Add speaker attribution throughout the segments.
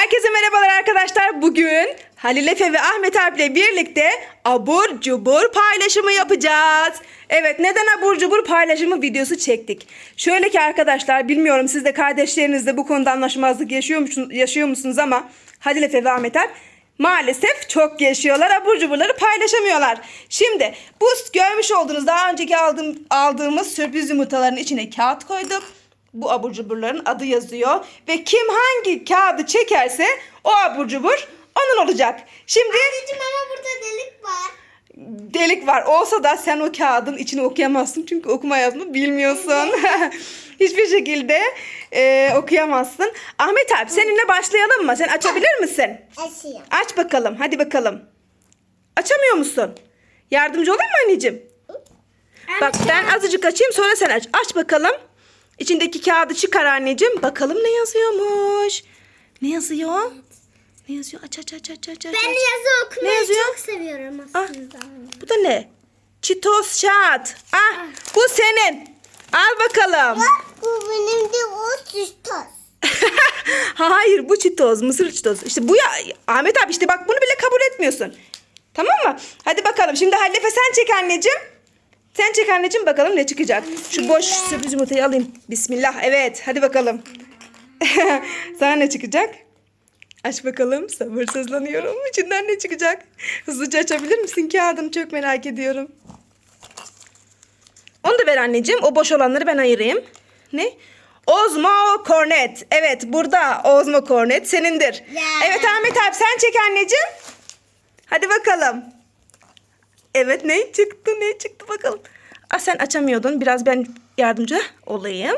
Speaker 1: Herkese merhabalar arkadaşlar. Bugün Halil Efe ve Ahmet abiyle birlikte abur cubur paylaşımı yapacağız. Evet, neden abur cubur paylaşımı videosu çektik? Şöyle ki arkadaşlar, bilmiyorum siz de kardeşlerinizle bu konuda anlaşmazlık yaşıyor musunuz ama Halil Efe ve Ahmet abi maalesef çok yaşıyorlar. Abur cuburları paylaşamıyorlar. Şimdi bu görmüş olduğunuz daha önceki aldığımız sürpriz yumurtaların içine kağıt koyduk. Bu abur cuburların adı yazıyor. Ve kim hangi kağıdı çekerse o abur cubur onun olacak. Şimdi
Speaker 2: Anneciğim ama burada delik var.
Speaker 1: delik var. Olsa da sen o kağıdın içini okuyamazsın. Çünkü okuma yazma bilmiyorsun. Hiçbir şekilde okuyamazsın. Ahmet abi seninle başlayalım mı? Sen açabilir misin?
Speaker 2: Açayım.
Speaker 1: Aç bakalım. Hadi bakalım. Açamıyor musun? Yardımcı olayım mı anneciğim? Bak ben azıcık açayım, sonra sen aç. Aç bakalım. İçindeki kağıdı çıkar anneciğim. Bakalım ne yazıyormuş. Ne yazıyor? Ne yazıyor? Aç.
Speaker 2: Ben yazı okumayı
Speaker 1: Ne yazıyor?
Speaker 2: çok seviyorum
Speaker 1: Ah,
Speaker 2: aslında.
Speaker 1: bu da ne? Cheetos Shot. Ah, bu senin. Al bakalım.
Speaker 2: Bu benim de o süstos.
Speaker 1: Hayır, bu Cheetos. Mısır Cheetos. İşte bu ya. Ahmet abi işte bak bunu bile kabul etmiyorsun. Tamam mı? Hadi bakalım. Şimdi Halife sen çek anneciğim. Sen çek anneciğim, bakalım ne çıkacak. Şu boş sürpriz yumurtayı alayım. Bismillah. Evet, hadi bakalım. Sana ne çıkacak? Aç bakalım. Sabırsızlanıyorum. İçinden ne çıkacak? Hızlıca açabilir misin kağıdını? Çok merak ediyorum. Onu da ver anneciğim. O boş olanları ben ayırayım. Ne? Ozmo Cornet. Evet, burada Ozmo Cornet senindir.
Speaker 2: Ya.
Speaker 1: Evet Ahmet abi sen çek anneciğim. Hadi bakalım. Evet, ne çıktı bakalım. Sen açamıyordun. Biraz ben yardımcı olayım.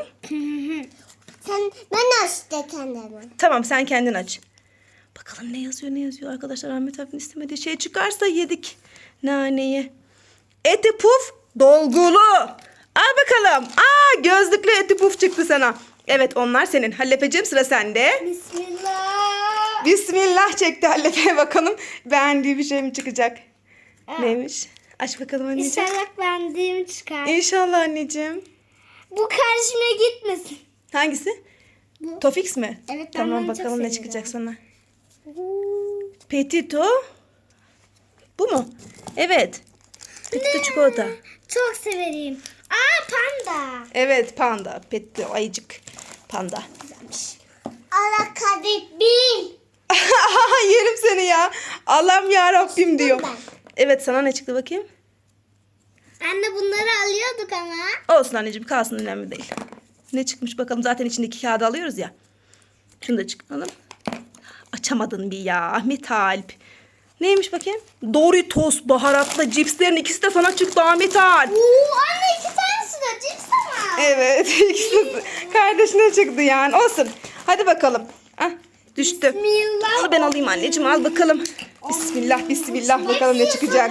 Speaker 2: Ben açtım kendimi.
Speaker 1: Tamam, sen kendin aç. Bakalım ne yazıyor arkadaşlar. Ahmet abinin istemediği şey çıkarsa yedik naneyi. Eti puf dolgulu. Al bakalım. Gözlüklü eti puf çıktı sana. Evet, onlar senin. Hallefeciğim, sıra sende.
Speaker 2: Bismillah.
Speaker 1: Bismillah çekti Hallefe. Bakalım beğendiği bir şey mi çıkacak?
Speaker 2: Evet.
Speaker 1: Neymiş? Aç bakalım anneciğim.
Speaker 2: İnşallah beğendiğimi çıkar.
Speaker 1: İnşallah anneciğim.
Speaker 2: Bu karşıma gitmesin.
Speaker 1: Hangisi?
Speaker 2: Bu.
Speaker 1: Tofix mi?
Speaker 2: Evet, ben
Speaker 1: Tamam,
Speaker 2: bunu çok
Speaker 1: bakalım ne
Speaker 2: seviyorum.
Speaker 1: çıkacak sana. Petito. Bu mu? Evet. Petito çikolata.
Speaker 2: Çok severim. Panda.
Speaker 1: Evet, panda. Petito ayıcık. Panda.
Speaker 2: Güzelmiş. Allah kahretsin.
Speaker 1: Yerim seni ya. Allah'ım ya Rabbim diyor.
Speaker 2: ben.
Speaker 1: Evet, sana ne çıktı bakayım?
Speaker 2: Anne bunları alıyorduk ama.
Speaker 1: Olsun anneciğim, kalsın, önemli değil. Ne çıkmış bakalım, zaten içindeki kağıdı alıyoruz ya. Şunu da çıkaralım. Açamadın bir ya Ahmet Alp. Neymiş bakayım? Doritos baharatlı cipslerin ikisi de sana çıktı Ahmet Alp.
Speaker 2: Anne 2 tanesi de cips ama.
Speaker 1: Evet, ikisi de kardeşine çıktı yani. Olsun. Hadi bakalım. Düştü.
Speaker 2: Bismillah.
Speaker 1: Al, ben alayım anneciğim, al bakalım. Bismillah bakalım ne çıkacak.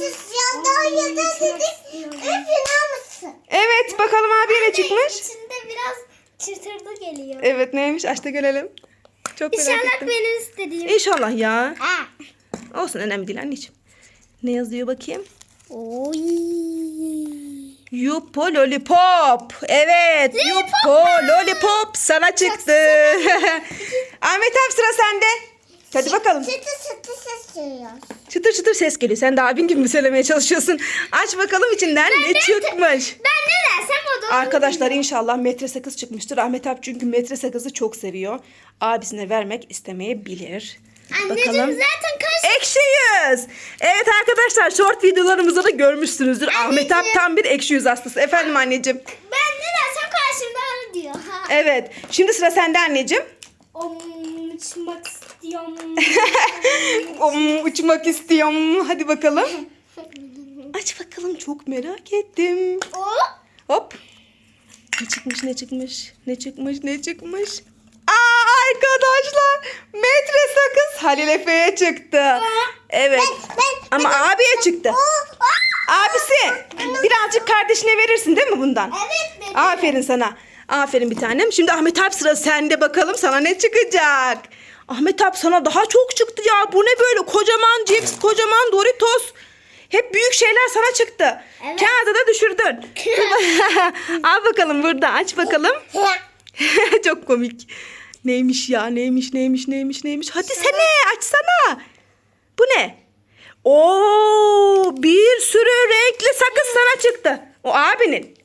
Speaker 1: Evet, bakalım abiye ne çıkmış?
Speaker 2: İçinde biraz çıtırdı geliyor.
Speaker 1: Evet, neymiş? Aç da görelim. Çok merak
Speaker 2: İnşallah
Speaker 1: ettim.
Speaker 2: benim istediğim.
Speaker 1: İnşallah ya.
Speaker 2: Ha.
Speaker 1: Olsun, önemli değil anneciğim. Ne yazıyor bakayım?
Speaker 2: Oy.
Speaker 1: Yupo Lollipop. Evet, Yupo Lollipop sana çıktı. Ahmet abi, sıra sende. Hadi bakalım.
Speaker 2: Çıtı çıtı ses duyuyor.
Speaker 1: Çıtır çıtır ses geliyor. Sen de abin gibi mi söylemeye çalışıyorsun? Aç bakalım içinden ne çıkmış.
Speaker 2: Ben ne dersem o da.
Speaker 1: Arkadaşlar inşallah metre sakız çıkmıştır. Ahmet abi çünkü metre sakızı çok seviyor. Abisine vermek istemeyebilir.
Speaker 2: Anneciğim
Speaker 1: Bakalım.
Speaker 2: zaten kaç.
Speaker 1: Ekşi yüz. Evet arkadaşlar, short videolarımızda da görmüşsünüzdür. Ahmet abi tam bir ekşi yüz hastası. Efendim anneciğim.
Speaker 2: Ben ne dersem karşımda öyle diyor. Ha.
Speaker 1: Evet. Şimdi sıra sende anneciğim.
Speaker 2: Uçmak istiyorum.
Speaker 1: Uçmak istiyorum. Hadi bakalım. Aç bakalım, çok merak ettim.
Speaker 2: O.
Speaker 1: Hop. Ne çıkmış? Arkadaşlar, metre sakız Halil Efe'ye çıktı. Evet. Ama abiye çıktı. Abisi, birazcık kardeşine verirsin değil mi bundan?
Speaker 2: Evet benim.
Speaker 1: Aferin sana. Aferin bir tanem. Şimdi Ahmet abi, sıra sende, bakalım sana ne çıkacak. Ahmet abi, sana daha çok çıktı ya. Bu ne böyle? Kocaman cips, kocaman Doritos. Hep büyük şeyler sana çıktı.
Speaker 2: Evet.
Speaker 1: Kağıdı da düşürdün. Al bakalım burada. Aç bakalım. Çok komik. Neymiş ya? Neymiş? Hadi sene açsana. Bu ne? Oo, bir sürü renkli sakız sana çıktı. O abinin.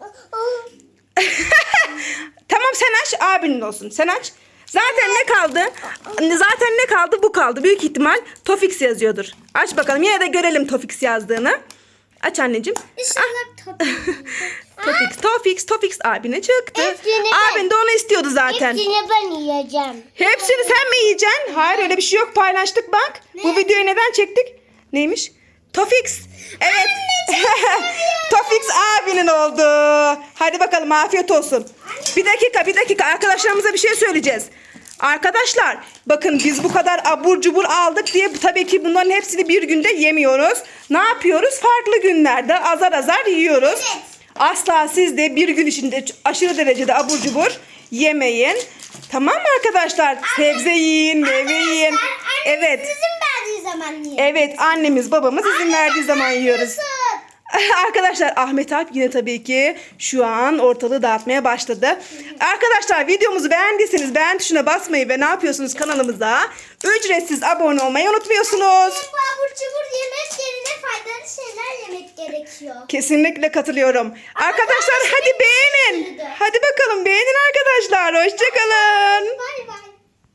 Speaker 1: Tamam sen aç, abinin olsun. Sen aç. Zaten ne kaldı? Bu kaldı. Büyük ihtimal Tofix yazıyordur. Aç bakalım. Yine de görelim Tofix yazdığını. Aç anneciğim.
Speaker 2: İnşallah
Speaker 1: Tofix abine çıktı.
Speaker 2: Hepsini ben-
Speaker 1: Abin de onu istiyordu zaten.
Speaker 2: Hepsini ben yiyeceğim.
Speaker 1: Hepsini sen mi yiyeceksin? Hayır öyle bir şey yok. Paylaştık bak. Bu videoyu neden çektik? Neymiş? Tofix. Evet. Tofix abinin oldu. Hadi bakalım afiyet olsun. Bir dakika. Arkadaşlarımıza bir şey söyleyeceğiz. Arkadaşlar bakın biz bu kadar abur cubur aldık diye tabii ki bunların hepsini bir günde yemiyoruz. Ne yapıyoruz? Farklı günlerde azar yiyoruz.
Speaker 2: Evet.
Speaker 1: Asla siz de bir gün içinde aşırı derecede abur cubur yemeyin. Tamam mı arkadaşlar? Sebze yiyin, meyve yiyin. Evet.
Speaker 2: Sizin verdiği zaman yiyin.
Speaker 1: Evet, annemiz babamız izin verdiği zaman yiyoruz.
Speaker 2: Nasıl?
Speaker 1: Arkadaşlar Ahmet Alp yine tabii ki şu an ortalığı dağıtmaya başladı. Arkadaşlar videomuzu beğendiyseniz beğen tuşuna basmayı ve ne yapıyorsunuz kanalımıza ücretsiz abone olmayı unutmuyorsunuz.
Speaker 2: Bu abur cubur yemek yerine faydalı şeyler yemek gerekiyor.
Speaker 1: Kesinlikle katılıyorum. Arkadaşlar hadi beğenin. Hadi bakalım beğenin arkadaşlar. Hoşçakalın.
Speaker 2: Bay bay.